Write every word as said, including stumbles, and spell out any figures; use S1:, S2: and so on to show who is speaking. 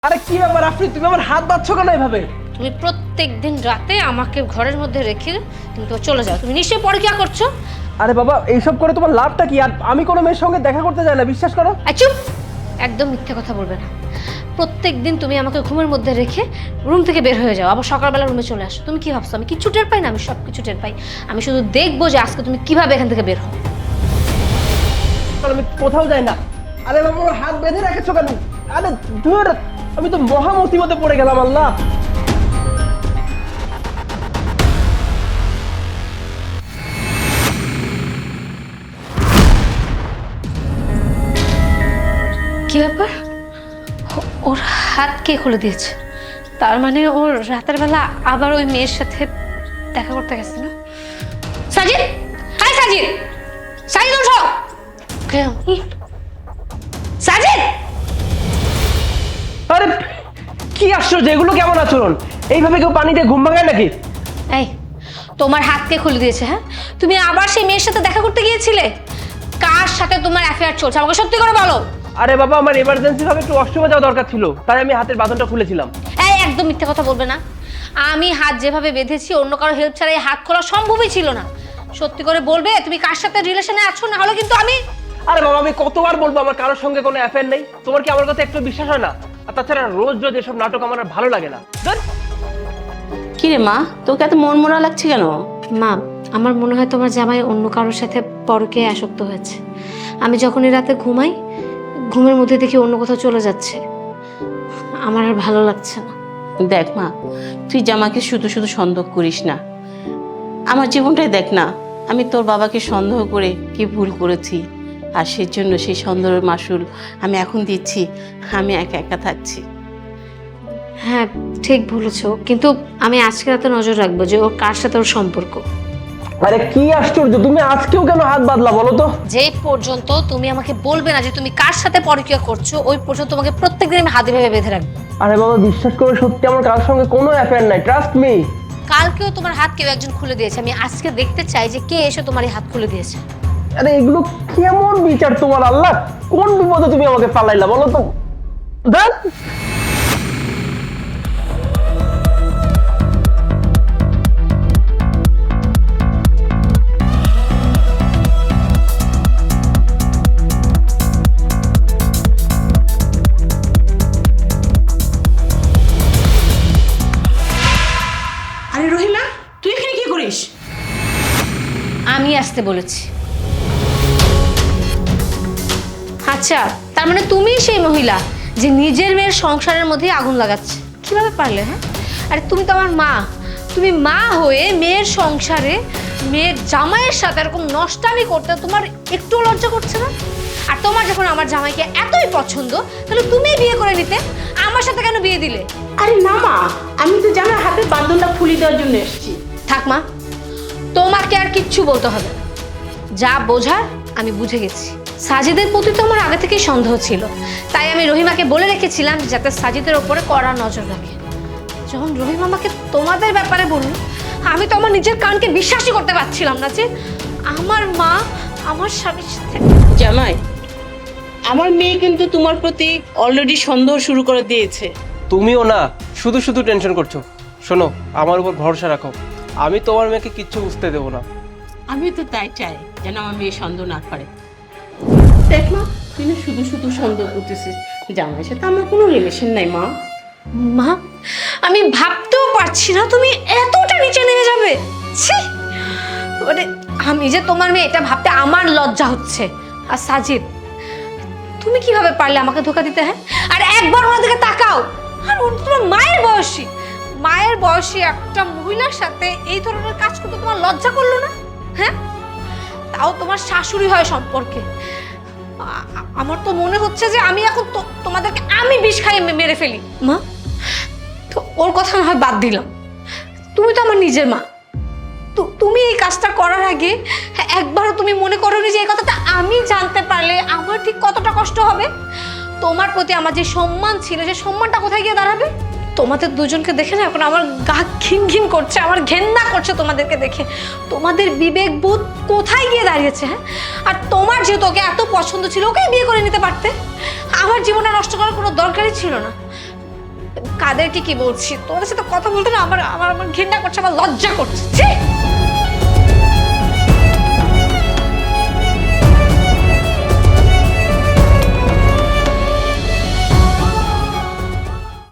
S1: আরে কি ব্যাপার আপনি তুমি আমার হাত বাঁধছো কেন এভাবে?
S2: তুমি প্রত্যেকদিন রাতে আমাকে ঘরের মধ্যে রেখে তুমি তো চলে যাও। তুমি নিশ্চয়ই পরকিয়া করছো।
S1: আরে বাবা এইসব করে তোমার লাভটা কি? আর আমি কোনো মেয়ের সঙ্গে দেখা করতে যাই না, বিশ্বাস করো।
S2: আর চুপ, একদম মিথ্যে কথা বলবে না। প্রত্যেকদিন তুমি আমাকে ঘুমের মধ্যে রেখে রুম থেকে বের হয়ে যাও, আবার সকালবেলা রুমে চলে আসো। তুমি কি ভাবছো আমি কিচ্ছু টের পাই না? আমি সব কিছু টের পাই। আমি শুধু দেখবো যে আজকে তুমি কিভাবে এখান থেকে বের হও।
S1: আমি কোথাও যাই না। আরে বাবা আমার হাত বেঁধে রেখেছো কেন? আরে ধুর, আমি তো মহা মুসিবতে পড়ে গেলাম। আল্লাহ,
S2: কি ব্যাপার? ও- ওর হাত কে খুলে দিয়েছে? তার মানে ওর রাতের বেলা আবার ওই মেয়ের সাথে দেখা করতে গেছে না? সাজিদ, হাই সাজিদ, সাজিদ ওঠো। কে- ই, সাজিদ!
S1: আরে কি আশ্চর্য, এগুলো কেমন আচরণ? এইভাবে কেউ পানি দিয়ে ঘুম ভাঙায় নাকি?
S2: এই, তোমার হাত কে খুলে দিয়েছে? হ্যাঁ, তুমি আবার সেই মেয়ের সাথে দেখা করতে গিয়েছিলে? কার সাথে তোমার অ্যাফেয়ার চলছে আমাকে সত্যি করে বলো।
S1: আরে বাবা আমার এমার্জেন্সি ভাবে একটু ওয়াশরুমে যাওয়া দরকার ছিল, তাই আমি হাতের বাঁধনটা খুলেছিলাম।
S2: এই একদম মিথ্যে কথা বলবে না। আমি হাত যেভাবে বেঁধেছি অন্য কারো হেল্প ছাড়া এই হাত খোলা সম্ভবই ছিল না। সত্যি করে বলবে তুমি কার সাথে রিলেশনে আছো, না হলে কিন্তু আমি।
S1: আরে বাবা আমি কতবার বলবো আমার কারোর সঙ্গে কোনো অ্যাফেয়ার নেই? তোমার কি আমার কথা একটু বিশ্বাস হয় না? আর তাছাড়া রোজ রোজ এসব নাটক আমার আর ভালো লাগে না। ধুর।
S3: কি রে মা, তোকে এত মন মরা লাগছে কেন?
S2: মা, আমার মনে হয় তোমার জামাই অন্য কারোর সাথে পরকীয়ায় আসক্ত হয়েছে। আমি যখনই রাতে ঘুমাই, ঘুমের মধ্যে দেখি অন্য কোথাও চলে যাচ্ছে। আমার আর ভালো লাগছে না।
S3: দেখ মা, তুই জামাকে শুধু শুধু সন্দেহ করিস না। আমার জীবনটাই দেখ না, আমি তোর বাবাকে সন্দেহ করে কি ভুল করেছি, আর সেই জন্য সেই সন্দেহের মাসুল আমি এখন দিচ্ছি। আমি একা একা থাকছি।
S2: হ্যাঁ ঠিক বলেছো, কিন্তু আমি আজকে রাতে নজর রাখবো যে ওর কার সাথে ওর সম্পর্ক।
S1: আরে কি আশ্চর্য, তুমি আজকেও কেন হাত বাঁধলা বলো তো?
S2: যে পর্যন্ত তুমি আমাকে বলবে না যে তুমি কার সাথে পরকীয়া করছো, ওই পর্যন্ত তোমাকে প্রত্যেকদিন আমি হাতে ভেবে বেঁধে রাখবো।
S1: আরে বাবা বিশ্বাস করে, সত্যি আমার কারোর সঙ্গে কোনো অ্যাফেয়ার নাই, ট্রাস্ট মি।
S2: কালকেও তোমার হাত কেউ একজন খুলে দিয়েছে। আমি আজকে দেখতে চাই যে কে এসে তোমার এই হাত খুলে দিয়েছে।
S1: আরে এগুলো কেমন বিচার তোমার? আল্লাহ, কোন বিপদে তুমি আমাকে পালাইলা বলো তো? ধ্যাৎ।
S3: আরে রহিমা, তুই এখানে কি করিস?
S2: আমি আসতে বলেছি। আচ্ছা, তার মানে তুমি সেই মহিলা যে নিজের মেয়ের সংসারের মধ্যে আগুন লাগাচ্ছে। কিভাবে পারলে? হ্যাঁ, আরে তুমি তো আমার মা। তুমি মা হয়ে মেয়ের সংসারে মেয়ের জামাইয়ের সাথে এরকম নষ্টামি করতে তোমার একটু লজ্জা করছে না? আর তোমার যখন আমার জামাইকে এতই পছন্দ, তাহলে তুমিই বিয়ে করে নিতে। আমার সাথে কেন বিয়ে দিলে?
S3: আরে না মা, আমি তো জামার হাতের বাঁধনটা খুলে দেওয়ার জন্য এসেছি।
S2: থাক মা, তোমাকে আর কিচ্ছু বলতে হবে না। যা বোঝার আমি বুঝে গেছি। সাজিদের প্রতি তো আমার আগে থেকেই সন্দেহ ছিল, তাই আমি রহিমাকে বলে রেখেছিলাম যাতে সাজিদের ওপরে কড়া নজর রাখে। যখন রহিমা আমাকে তোমাদের ব্যাপারে বলল, আমি তো আমার নিজের কানকে বিশ্বাসই করতে পারছিলাম না যে আমার মা আমার স্বামীর সাথে।
S3: জামাই, আমার মেয়ে কিন্তু তোমার প্রতি অলরেডি সন্দেহ শুরু করে দিয়েছে।
S1: তুমিও না শুধু শুধু টেনশন করছো। শোনো, আমার উপর ভরসা রাখো, আমি তোমার মেয়েকে কিচ্ছু বুঝতে দেবো না।
S3: আমি তো তাই চাই যেন আমার মেয়ে সন্দেহ না করে। দেখ মা, তুই না শুধু শুধু সন্দেহ করতেছিস। জামাইয়ের সাথে আমার কোনো রিলেশন নাই মা।
S2: মা, আমি ভাবতেও পারছি না তুমি এতটা নিচে নেমে যাবে। ছি, মানে আমি যে তোমার মেয়ে এটা ভাবতে আমার লজ্জা হচ্ছে। আর সাজিদ, তুমি কিভাবে পারলে আমাকে ধোকা দিতে? হ্যাঁ, আর একবার ওনার দিকে তাকাও। আর ও তো তোমার মায়ের বয়সী। মায়ের বয়সী একটা মহিলার সাথে এই ধরনের কাজ করতে তোমার লজ্জা করলো না? হ্যাঁ, তাও তোমার শাশুড়ি হয় সম্পর্কে। আ- আমার তো মনে হচ্ছে যে আমি এখন তো- তোমাদেরকে আমি বিষ খাইয়ে মে- মেরে ফেলি। মা, তো ওর কথা না হয় বাদ দিলাম, তুমি তো আমার নিজের মা। তো তুমি এই কাজটা করার আগে একবারও তুমি মনে করোনি যে এই কথাটা আমি জানতে পারলে আমার ঠিক কতটা কষ্ট হবে? তোমার প্রতি আমার যে সম্মান ছিল, যে সম্মানটা কোথায় গিয়ে দাঁড়াবে? তোমাদের দুজনকে দেখে না এখন আমার গা ঘিন ঘিন করছে, আমার ঘেন্না করছে তোমাদেরকে দেখে। তোমাদের বিবেক বোধ কোথায় গিয়ে দাঁড়িয়েছে? হ্যাঁ, আর তোমার যেহেতু ওকে এত পছন্দ ছিল, ওকে বিয়ে করে নিতে পারতে। আমার জীবনটা নষ্ট করার কোনো দরকারই ছিল না। কাদেরকে কি বলছি, তোমাদের সাথে কথা বলতে না আমার আমার আমার ঘৃণা করছে, আমার লজ্জা করছে। ছি!